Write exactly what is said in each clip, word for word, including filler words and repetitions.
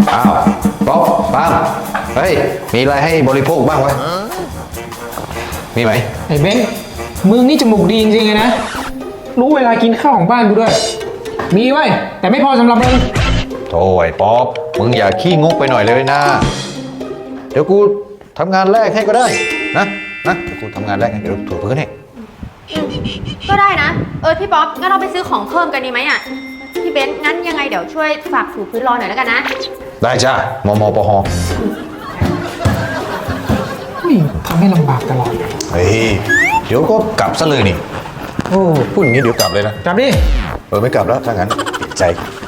อ้าวป๊อปปามเฮ้ยมีอะไรให้บริโภคบ้างวะมีไหมไอ้เบนมึงนี่จมูกดีจริงๆเลยนะรู้เวลากินข้าวของบ้านกูด้วยมีไว้แต่ไม่พอสำหรับมึงโถ่ไอ้ป๊อปมึงอย่าขี้งกไปหน่อยเลยนะเดี๋ยวกูทำงานแรกให้ก็ได้นะนะเดี๋ยวกูทำงานแรกให้เดี๋ยวถูพื้นให้ก็ได้นะเออพี่ป๊อปงั้นเราไปซื้อของเพิ่มกันดีไหมอ่ะพี่เบนซ์งั้นยังไงเดี๋ยวช่วยฝากถูพื้นรอหน่อยแล้วกันนะได้จ้ามมปหนี่ทำให้ลำบากตลอดเฮ้ยเดี๋ยวก็กลับซะเลยนี่โอ้พูดอย่างนี้เดี๋ยวกลับเลยนะกลับดิเออไม่กลับแล้วถ้างั้นใจ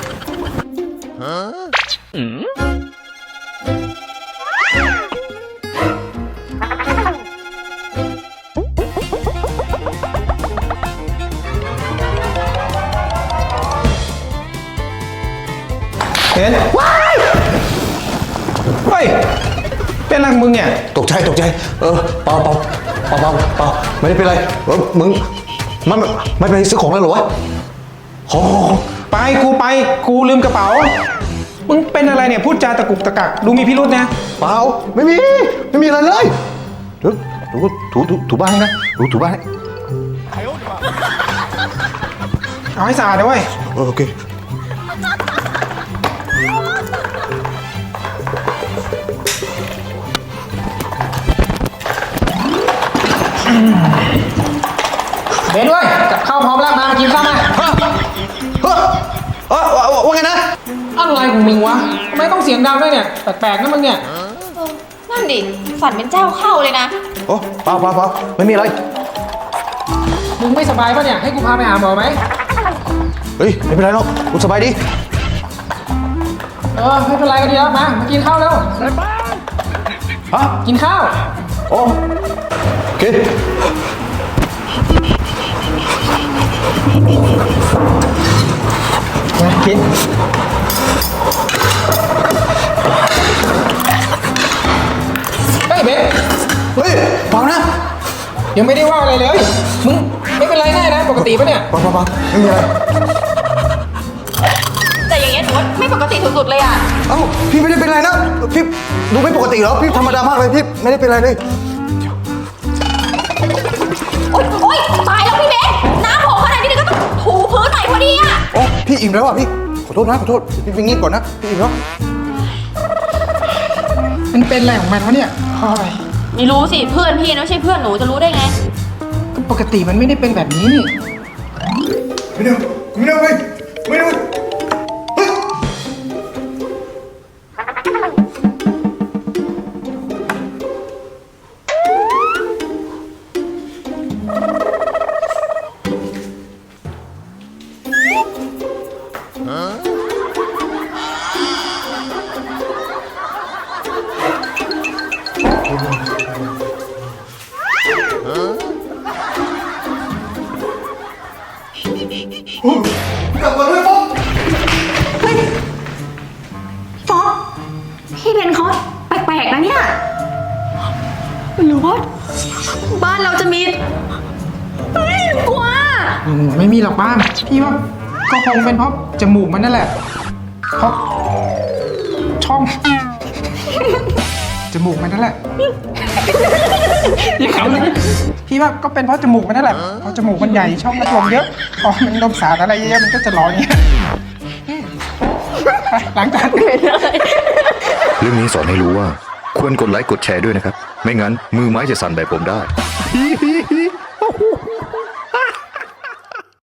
เห็นว้ายเฮ้ยเป็นอะไรของมึงเนี่ยตกใจตกใจเออเปล่าเปล่าเปล่าเปล่าเปล่าไม่ได้เป็นไรเออมึงมันไม่ไปซื้อของแล้วหรอวะขอไปกูไปกูลืมกระเป๋ามึงเป็นอะไรเนี่ยพูดจาตะกุกตะกักดูมีพิรุธนะเปล่าไม่มีไม่มีอะไรเลยเดี๋ยวถูถูถูถูบ้านให้นะถูถูบ้านให้เอาให้สะอาดนะเว้ยโอเคเบนด้วยกับข้าวพร้อมแล้วมากินข้าวมาเฮ้อเออว่าไงนะอะไรของมึงวะทำไมต้องเสียงดังด้วยเนี่ยแปลกๆนะมึงเนี่ยนั่นดิฝันเป็นเจ้าเข้าเลยนะโอ้เปล่าเปล่าเปล่าไม่มีอะไรมึงไม่สบายป่ะเนี่ยให้กูพาไปหาหมอไหมเฮ้ยไม่เป็นไรหรอกกูสบายดีเออไม่เป็นไรก็ดีแล้วมามากินข้าวแล้วฮะกินข้าวโอ้โอเคมากินเฮ้ยเบนเฮ้ยเปล่านะยังไม่ได้ว่าอะไรเลยมึงไม่เป็นไรแน่นะปกติปะเนี่ยเปล่าเปล่าเปล่าไม่มีอะไรแต่อย่างเงี้ยหนูว่าไม่ปกติสุดๆเลยอ่ะเอ้าพี่ไม่ได้เป็นไรนะพี่ดูไม่ปกติเหรอพี่ธรรมดามากเลยพี่ไม่ได้เป็นไรเลยโอ๊ยโอ๊ยตายแล้วพี่เบนน้ำโผล่ขนาดนี้ก็ต้องถูพื้นหน่อยพอดีอ่ะโอ้พี่อิ่มแล้วอ่ะพี่ขอโทษนะขอโทษพี่ไปงีบก่อนนะพี่อิ่มแล้วมันเป็นอะไรของมันวะเนี่ยไม่รู้สิเพื่อนพี่นะไม่ใช่เพื่อนหนูจะรู้ได้ไงก็ปกติมันไม่ได้เป็นแบบนี้นี่ไม่ได้ไม่ได้ไม่ไม่ได้กลับมาด้วยป๊อปเฮ้ยป๊อปพี่เบนเขาแปลกๆนะเนี่ยหรือว่าบ้านเราจะมีเฮ้ยกลัวไม่มีหรอกบ้านพี่ว่าก็คงเป็นเพราะจมูกมันนั่นแหละเพราะช่องจมูกมันนั่นแหละยังขำเลยพี่ว่าก็เป็นเพราะจมูกมันนั่นแหละเพราะจมูกมันใหญ่ช่องมันลมเยอะพอมันลมสารอะไรเยอะมันก็จะร้อนอย่างเงี้ยหลังจากนี้เรื่องนี้สอนให้รู้ว่าควรกดไลค์กดแชร์ด้วยนะครับไม่งั้นมือไม้จะสั่นแบบผมได้